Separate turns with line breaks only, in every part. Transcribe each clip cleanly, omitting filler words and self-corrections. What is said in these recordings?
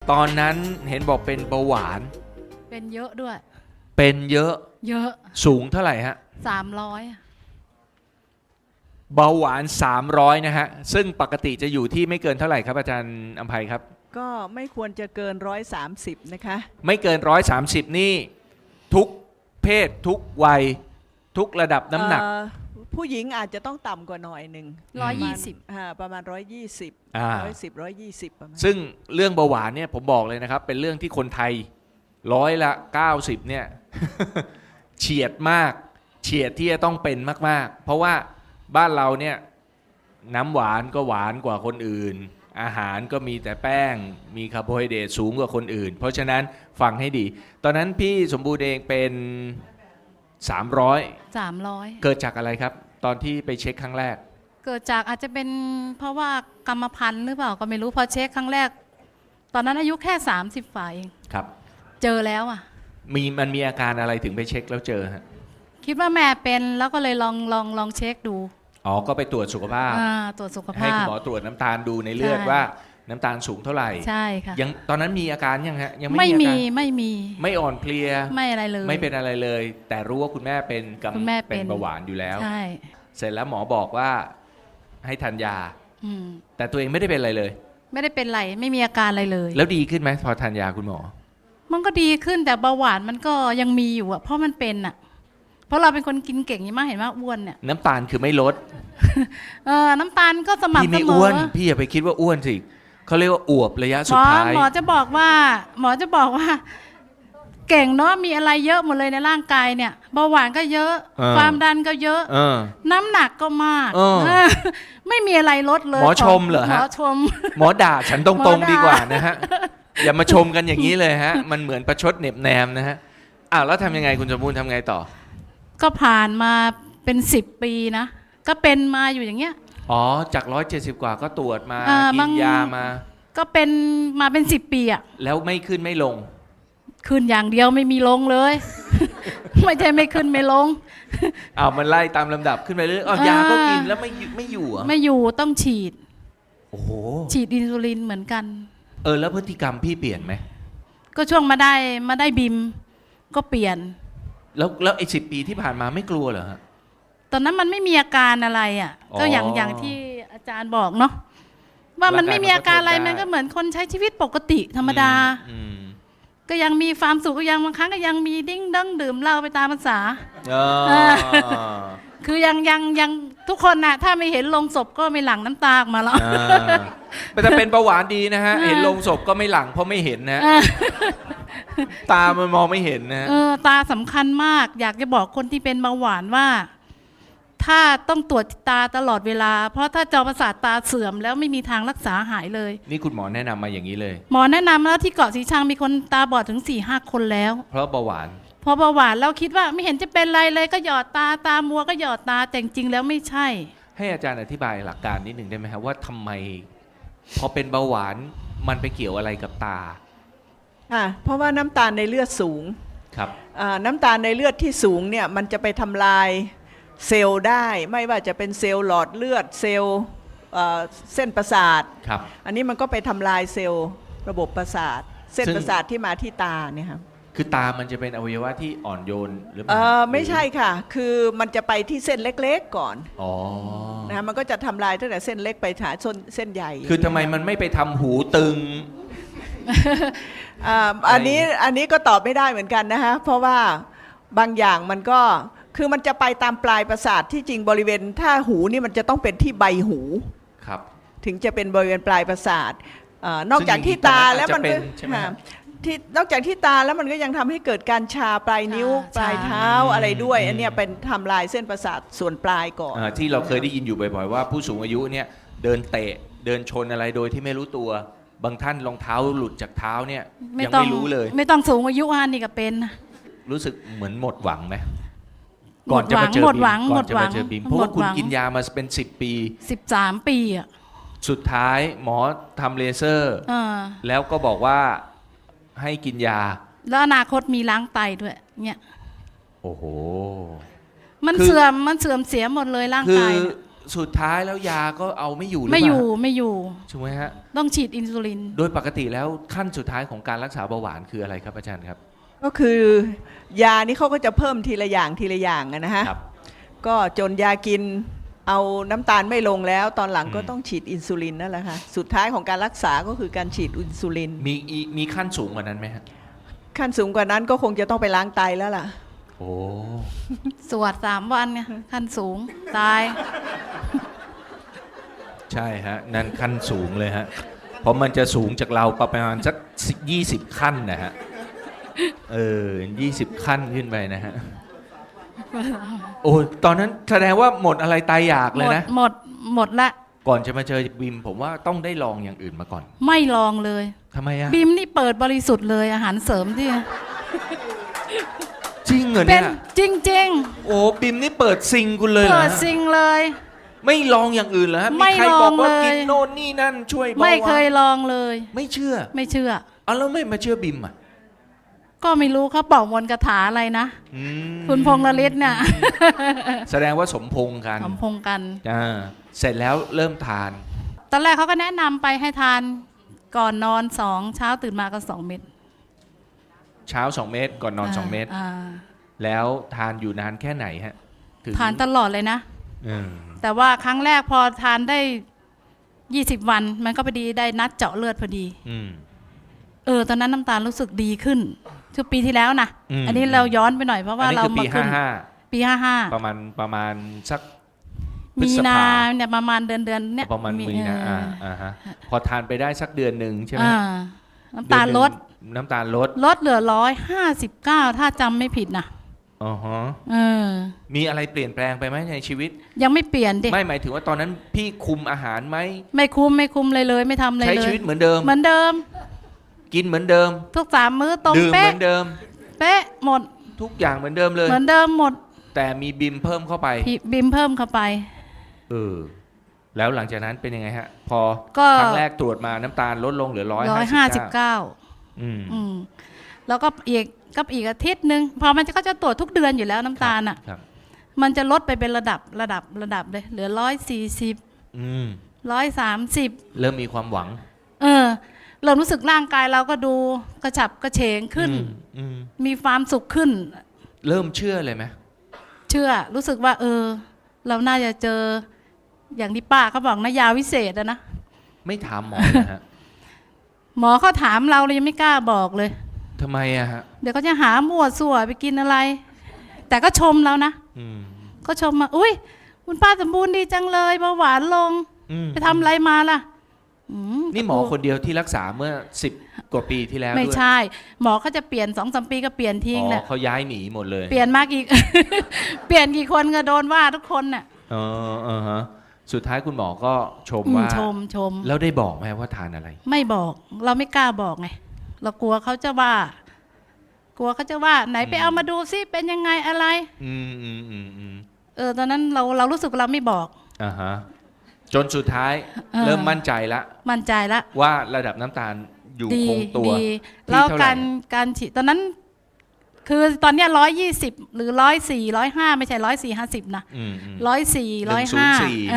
ตอนนั้นเห็นบอกเป็นเบาหวาน
เป็นเยอะด้วย
เป็นเยอะ
เยอะ
สูงเท่าไหร่ฮะ
300
เบาหวาน 300นะฮะซึ่งปกติจะอยู่ที่ไม่เกินเท่าไหร่ครับอาจารย์อภัยครับ
ก็ไม่ควรจะเกิน130นะคะ
ไม่เกิน130นี่ทุกเพศทุกวัยทุกระดับน้ำหนัก
ผู้หญิงอาจจะต้องต่ำกว่าหน่อยหนึ่ง
120
ประมาณ120
อ่า
110 120ประมาณ
ซึ่งเรื่องเบาหวานเนี่ยผมบอกเลยนะครับเป็นเรื่องที่คนไทย90%เนี่ย เฉียดมากเฉียดที่จะต้องเป็นมากๆเพราะว่าบ้านเราเนี่ยน้ำหวานก็หวานกว่าคนอื่นอาหารก็มีแต่แป้งมีคาร์โบไฮเดรตสูงกว่าคนอื่นเพราะฉะนั้นฟังให้ดีตอนนั้นพี่สมบูรณ์เองเป็น300เกิดจากอะไรครับตอนที่ไปเช็คครั้งแรก
เกิดจากอาจจะเป็นเพราะว่ากรรมพันธุ์หรือเปล่าก็ไม่รู้พอเช็คครั้งแรก ตอนนั้นอายุแค่30ฝ่าเอง
ครับ
เจอแล้วอ่ะ
มันมีอาการอะไรถึงไปเช็คแล้วเจอฮะ
คิดว่าแม่เป็นแล้วก็เลยลองเช็คดู
อ๋อก็ไปตรวจสุขภาพ
ตรวจสุข
ให้
ภา
คุณ
พ
หมอตรวจน้ำตาลดูในเลือด
ใช่
ว่าน้ำตาลสูงเท่าไหร่
ใช่ค่ะ
ยังตอนนั้นมีอาการยังฮะยัง
ไม่
ไม่มี
มี
อาการ
ไม่มี
ไม่อ่อนเพลีย
ไม่อะไรเลย
ไม่เป็นอะไรเลย แต่รู้ว่าคุณแม่เป็น
คุณแม่
เป็นเบาหวานอยู่แล้ว
ใช่
เสร็จแล้วหมอบอกว่าให้ทานยา
อืม
แต่ตัวเองไม่ได้เป็นอะไรเลย
ไม่ได้เป็นไรไม่มีอาการอะไรเลย
แล้วดีขึ้นไหมพอทานยาคุณหมอ
มันก็ดีขึ้นแต่เบาหวานมันก็ยังมีอยู่อะเพราะมันเป็นอะเพราะเราเป็นคนกินเก่งนี่มากเห็นว่าอ้วนเนี่ย
น้ำตาลคือไม่ลด
น้ำตาลก็ส
พี่
ม่ำเส
ไม่
ม
อ้ว
อน
พี่อย่าไปคิดว่าอ้วนสิเขาเรียกว่าอวบระยะ
ห
สุ
ม
ด
อ
ท้าย
หมอจะบอกว่า เก่งเนาะมีอะไรเยอะหมดเลยในร่างกายเนี่ยเบาหวานก็เยอะ ความดันก็เยอะ
เออ
น้ำหนักก็มาก
เออ
ไม่มีอะไรลดเลย
หมอชมเหรอฮะ
หมอชม
หมอด่าฉันต
หม
ร
อง ด่า
ๆดีกว่านะฮะ อย่ามาชมกันอย่างนี้เลยฮะ มันเหมือนประชดเหน็บแนมนะฮะแล้วทำยังไงคุณสมบูรณ์ทำไงต่อ
ก็ผ่านมาเป็น10 ปีนะก็เป็นมาอยู่อย่างเงี้ย
อ๋อจาก170กว่าก็ตรวจมา
บา
กิ
ง
นยามา
ก็เป็นมาเป็น10 ปีอะ
แล้วไม่ขึ้นไม่ลง
ขึ้นอย่างเดียวไม่มีลงเลย ไม่ใช่ไม่ขึ้นไม่ลง
มันไล่ตามลำดับขึ้นไปเรื่อยยาก็กินแล้วไม่อยู่เหรอ
ไม่อยู่ต้องฉีด
โอ้โห
ฉีดอินซูลินเหมือนกัน
แล้วพฤติกรรมพี่เปลี่ยนไหม
ก็ช่วงมาได้บิมก็เปลี่ยน
แล้วไอ้10 ปีที่ผ่านมาไม่กลัวเหรอฮะ
ตอนนั้นมันไม่มีอาการอะไรอ่ะ
อ๋อ
ก็อย่างที่อาจารย์บอกเนาะว่ามันไม่มีอาการอะไร
ร่างกายมันก็ทนได้
มันก็เหมือนคนใช้ชีวิตปกติธรรมดา
อืม
ก็ยังมีความสุขก็ยังบางครั้งก็ยังมีดิ้งดั้งดื่มเหล้าไปตามภาษา คือยังทุกคนน่ะถ้าไม่เห็นลงศพก็ไม่หลั่งน้ำตาออกมาแล้ว
แต่เป็นเบาหวานดีนะฮะ เห็นโลงศพก็ไม่หลังเพราะไม่เห็นนะ ตามันมองไม่เห็นนะ
ตาสำคัญมาก อยากจะบอกคนที่เป็นเบาหวานว่า ถ้าต้องตรวจตาตลอดเวลา เพราะถ้าจอประสาทตาเสื่อมแล้วไม่มีทางรักษาหายเลย
นี่คุณหมอแนะนำมาอย่างนี้เลย
หมอแนะนำแล้วที่เกาะสีชังมีคนตาบอดถึง 4-5 คนแล้ว
เพราะเบาหวาน
พอเบาหวานเราคิดว่าไม่เห็นจะเป็นไรเลยก็หยอดตามัวก็หยอดตาแต่จริงๆแล้วไม่ใช่
ให้อาจารย์อธิบายหลักการนิดหนึ่งได้ไหมครับว่าทำไมพอเป็นเบาหวานมันไปเกี่ยวอะไรกับตา
เพราะว่าน้ำตาลในเลือดสูง
ครับ
น้ำตาลในเลือดที่สูงเนี่ยมันจะไปทำลายเซลล์ได้ ไม่ว่าจะเป็นเซลล์หลอดเลือดเซลล์เส้นประสาท
ครับ
อันนี้มันก็ไปทำลายเซลล์ระบบประสาท เส้น
ซึ่ง
ประสาทที่มาที่ตาเนี่ยครับ
คือตามันจะเป็นอวัยวะที่อ่อนโยนหรือเปล่า
ไม่ใช่ค่ะ คือมันจะไปที่เส้นเล็กๆก่อน
อ๋อ
นะมันก็จะทำลายตั้งแต่เส้นเล็กไปหาเส้นใหญ่
คือทำไมมันไม่ไปทำหูตึง
อันนี้ก็ตอบไม่ได้เหมือนกันนะฮะเพราะว่าบางอย่างมันก็คือมันจะไปตามปลายประสาทที่จริงบริเวณถ้าหูนี่มันจะต้องเป็นที่ใบหู
ครับ
ถึงจะเป็นบริเวณปลายประสาทนอกจากที่ตาแล้วมันก็
ใช่ไหมครับ
ที่นอกจากที่ตาแล้วมันก็ยังทำให้เกิดการชาปลายนิ้ว
ชา
ปลายเท้าอะไรด้วย อันเนี้ยเป็นทำลายเส้นประสาทส่วนปลายก่อน
ที่เราเคยได้ยินอยู่บ่อยๆว่าผู้สูงอายุเนี่ยเดินเตะเดินชนอะไรโดยที่ไม่รู้ตัว บางท่านรองเท้าหลุดจากเท้าเนี่ยยังไม่รู้เลย
ไม่ต้องสูงอายุนี่ก็เป็น
รู้สึกเหมือนหมดหวังไหมก่อนจะมาเจอ
หมด
บิ
หวัง
มก่อนจะมาเจอบิมเพราะว่าคุณ
หมดหวัง
กินยามาเป็น10 ปี
13 ปีอ่ะ
สุดท้ายหมอทำเลเซอร์ แล้วก็บอกว่าให้กินยา
แล้วอนาคตมีล้างไตด้วยเนี่ย
โอ้โห
มัน
คือ
เสื่อมเสียหมดเลยร่าง
คื
กา
อย
เนี่ย
สุดท้ายแล้วยาก็เอาไม่อยู่หรือเป
ไม่
ล่า
อยู่ไม่อยู่
ใช่ไหมฮะ
ต้องฉีดอินซูลิน
โดยปกติแล้วขั้นสุดท้ายของการรักษาเบาหวานคืออะไรครับอาจารย์ครับ
ก็คือยานี่เขาก็จะเพิ่มทีละอย่างทีละอย่างอะนะฮะ
ครับ
ก็จนยากินเอาน้ำตาลไม่ลงแล้ว ตอนหลังก็
อืม
ต้องฉีดอินซูลินนั่นแหละค่ะสุดท้ายของการรักษาก็คือการฉีดอินซูลิน
มีขั้นสูงกว่านั้นไหมฮะ
ขั้นสูงกว่านั้นก็คงจะต้องไปล้างไตแล้วล่ะ
โอ้
สวด3 วันไงขั้นสูงตาย
ใช่ฮะนั่นขั้นสูงเลยฮะเพราะมันจะสูงจากเราประมาณสัก20 ขั้นนะฮะ20 ขั้นขึ้นไปนะฮะโอ้ตอนนั้นแสดงว่าหมดอะไรตายอยาก
ห
เล
ม
ย
ด
นะ
หมดละ
ก่อนจะมาเจอบิมผมว่าต้องได้ลองอย่างอื่นมาก่อน
ไม่ลองเลย
ทำไมอะ
บิมนี่เปิดบริสุทธิ์เลยอาหารเสริมที่
จริงเหรอ
เป็
เนี่
น
ย
จริง
โอ้บิมนี่เปิดซิงคุณเลย
ๆ
เหรอ
เปิด
ฮะ
ซิงเลย
ไม่ลองอย่างอื่นเหรอฮะ
ไม่
มีใครบอกว่า
ลองเลย
กินโน่นนี่นั่นช่วยเบาหวาน
ไม่เคยลองเลย
ไม่เชื่อ
ไม่เชื่อ
เอาแล้วไม่มาเชื่อบิมอ่ะ
ก็ไม่รู้เขาบอกมนต์คาถาอะไรนะ
อืม
คุณพงษ์นฤทธิ์เนี่ย
แสดงว่าสมพงษ์กัน
สมพงษ์กัน
เสร็จแล้วเริ่มทาน
ตอนแรกเขาก็แนะนำไปให้ทานก่อนนอน2เช้าตื่นมาก็2 เม็ด
เช้า 2 เม็ดก่อนนอน 2 เม็ด
อ่า
แล้วทานอยู่นานแค่ไหนฮะถึง
ทานตลอดเลยนะ
อืม
แต่ว่าครั้งแรกพอทานได้20 วันมันก็พอดีได้นัดเจาะเลือดพอดี
อืม
ตอนนั้นน้ำตาลรู้สึกดีขึ้นคือปีที่แล้วนะ
อืม
อันนี้เราย้อนไปหน่อยเพราะว่า
อันนี้
เรา
คือปี
มาขึ้นปี
ประมาณสัก
55มีนาเนี่ยประมาณเดือนเนี่ย
ประมาณมีนาฮะพอทานไปได้สักเดือนหนึ่งใช่ไหม
น้ำตาลลด
น้ำตาลลด
เหลือ159ถ้าจำไม่ผิดนะ
อ๋อฮะ
เออ
มีอะไรเปลี่ยนแปลงไปไหมในชีวิต
ยังไม่เปลี่ยนดิ
ไม่หมายถึงว่าตอนนั้นพี่คุมอาหารไหม
ไม่คุมเลยไม่ทำอะไรเลย
ใช้ชีวิตเหมือนเดิม
เหมือนเดิม
กินเหมือนเดิม
ทุก3 มื้อตรง
ดื่มเห
เป๊ะ
มือนเดิม
เป๊ะหมด
ทุกอย่างเหมือนเดิมเลย
เหมือนเดิมหมด
แต่มีบิมเพิ่มเข้าไป
บิมเพิ่มเข้าไป
แล้วหลังจากนั้นเป็นยังไงฮะ พอ
ก็
ครั้งแรกตรวจมาน้ำตาลลดลงเหลือ159 อืม
อืมแล้วก็อีกอาทิตย์หนึ่งพอมันก็จะตรวจทุกเดือนอยู่แล้วน้ำตาลอ่ะ
ครับ
มันจะลดไปเป็นระดับเลยเหลือ140
อืม
130
เริ่มมีความหวัง
เรารู้สึกร่างกายเราก็ดูกระฉับกระเฉงขึ้น
อืม
มีความสุขขึ้น
เริ่มเชื่อเลยไหม
เชื่อรู้สึกว่าเราน่าจะเจออย่างที่ป้าเขาบอกนะยาวิเศษอะนะ
ไม่ถามหมอนะฮะ
หมอเขาถามเรายังไม่กล้าบอกเลย
ทำไมอะฮะ
เดี๋ยวเขาจะหามั่วสั่วไปกินอะไร แต่ก็ชมเรานะ
อืม
ก็ชมมาอุ้ยคุณป้าสมบูรณ์ดีจังเลยเบาหวานลง ไปทำอะไรมาล่ะ
นี่หมอคนเดียวที่รักษาเมื่อ10 กว่าปีที่แล้ว
ไม่
ด้วย
ใช่ หมอเขาจะเปลี่ยน2-3 ปีก็เปลี่ยนทิ้ง
อ๋อ
เนี่ย
เขาย้ายหนีหมดเลย
เปลี่ยนมากอีก เปลี่ยนกี่คนก็โดนว่าทุกคนน่ะ
ฮะสุดท้ายคุณหมอก็ชมว่า
ชม
แล้วได้บอกไหมว่าทานอะไร
ไม่บอกเราไม่กล้าบอกไงเรากลัวเขาจะว่า ไหนไปเอามาดูซิเป็นยังไงอะไร
อืม
ตอนนั้นเรารู้สึกเราไม่บอก
อ่าฮะจนสุดท้าย
อ
เริ่มมั่นใจละ
มั่นใจละ
ว่าระดับน้ำตาลอยู่
ดี
คงตัว
ดี
ที่
แล้ว
เท่าไหร่
การฉีดตอนนั้น คือตอนเนี้ย120หรือ104 105ไม่ใช่140-150นะ
อืม
104
104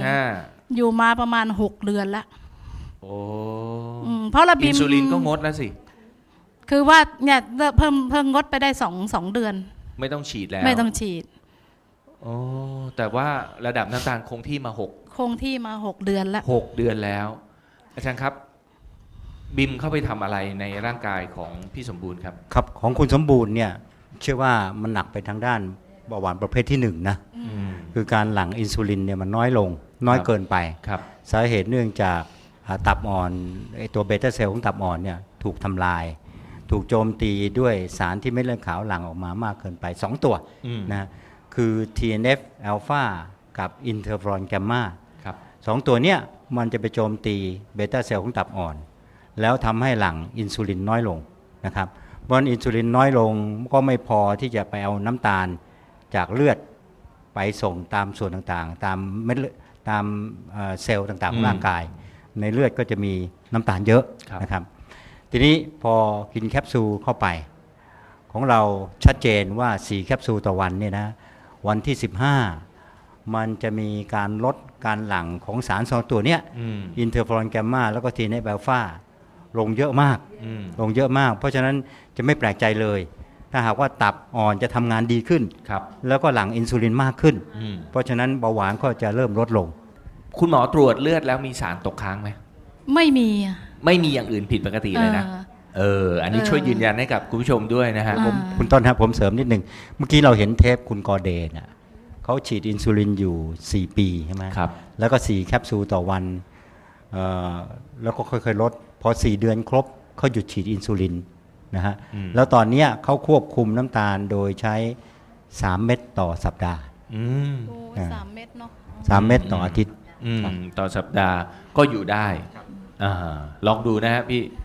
105อยู่มาประมาณ6 เดือนละ
โอ้
เพราะระบิ
อิ
ม
นซูลินก็งดแล้วสิ
คือว่าเนี่ยเพิ่มงดไปได้2 เดือน
ไม่ต้องฉีดแล้ว
ไม่ต้องฉีด
โอ้แต่ว่าระดับน้ำตาลคงที่มา
คงที่มา6 เดือนแล้ว
6เดือนแล้ว อาจารย์ครับ บิมเข้าไปทำอะไรในร่างกายของพี่สมบูรณ์ครับ
ครับของคุณสมบูรณ์เนี่ยเชื่อว่ามันหนักไปทางด้านเบาหวานประเภทที่1นะคือการหลั่งอินซูลินเนี่ยมันน้อยลงน้อยเกินไป
ครับ
สาเหตุเนื่องจากตับอ่อนไอตัวเบต้าเซลล์ของตับอ่อนเนี่ยถูกทำลาย ถูกโจมตีด้วยสารที่เม็ดเลือดขาวหลั่งออกมามากเกินไป 2 ตัวนะคือ TNF อ l p h a กับอินเทอร์ฟรอนแกมมา
ครับ
2 ตัวเนี้ยมันจะไปโจมตีเบต้าเซลล์ของตับอ่อน แล้วทำให้หลั่งอินซูลินน้อยลงนะครับเพราะอินซูลินน้อยลงก็ไม่พอที่จะไปเอาน้ำตาลจากเลือดไปส่งตามส่วนต่างๆ ตามเม็ดเลือดตามเซลล์ต่างๆของร่างกาย ในเลือดก็จะมีน้ำตาลเยอะนะครับทีนี้พอกินแคปซูลเข้าไปของเราชัดเจนว่า4แคปซูลต่อวันเนี่ยนะวันที่15 มันจะมีการลดการหลั่งของสารสองตัวเนี้ย
อืม
อินเทอร์ฟลอนแกมมาแล้วก็ทีเนฟอัลฟาลงเยอะมาก
อืม
ลงเยอะมาก เพราะฉะนั้นจะไม่แปลกใจเลย ถ้าหากว่าตับอ่อนจะทำงานดีขึ้น
ครับ
แล้วก็หลั่งอินซูลินมากขึ้น
อืม
เพราะฉะนั้นเบาหวานก็จะเริ่มลดลง
คุณหมอตรวจเลือดแล้วมีสารตกค้างไหม
ไม่มีอะ
ไม่มีอย่างอื่นผิดปกติเลยนะ อันนี้
เออ
ช่วยยืนยันให้กับคุณผู้ชมด้วยนะฮะ
อ่า
คุณต้นครับผมเสริมนิดหนึ่งเมื่อกี้เราเห็นเทปคุณกอเดนเขาฉีดอินซูลินอยู่ 4 ปีใช่ไหม
ครับ
แล้วก็ 4 แคปซูลต่อวันแล้วก็ค่อยๆลด พอ 4 เดือนครบเขาหยุดฉีดอินซูลินนะฮะ
อืม
แล้วตอนเนี้ยเขาควบคุมน้ำตาลโดยใช้ 3 เม็ดต่อสัปดาห์
อืม
โอ้ย
อ่า
3 เม็ดเนาะ
3 เม็ดต่ออาทิตย์
อืมต่อสัปดาห์ก็อยู่ได้ลองดูนะฮะพี่